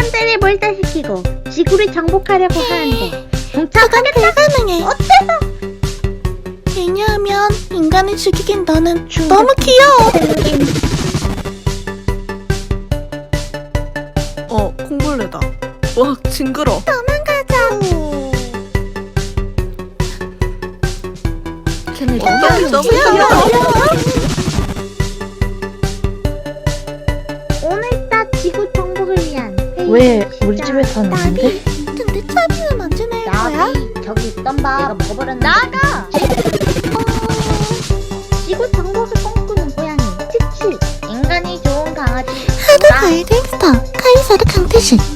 사람들이 몰다시키고 지구를 정복하려고 하는데 그건 동참하겠다? 불가능해. 어때서? 왜냐하면 인간을 죽이긴 너는 너무 귀여워. 콩벌레다. 와, 징그러. 도망가자. 걔네 너무 귀여워. 오늘따 지구 정복을 위한 왜 우리 집에 사는데? 나비. 근데 차비는 언제 낼 거야? 나비 저기 있던 밥 내가 먹어버렸는데 나가! 지구 정복을 꿈꾸는 고양이 치치 인간이 좋은 강아지 하드 골든스타 카이사르 강태식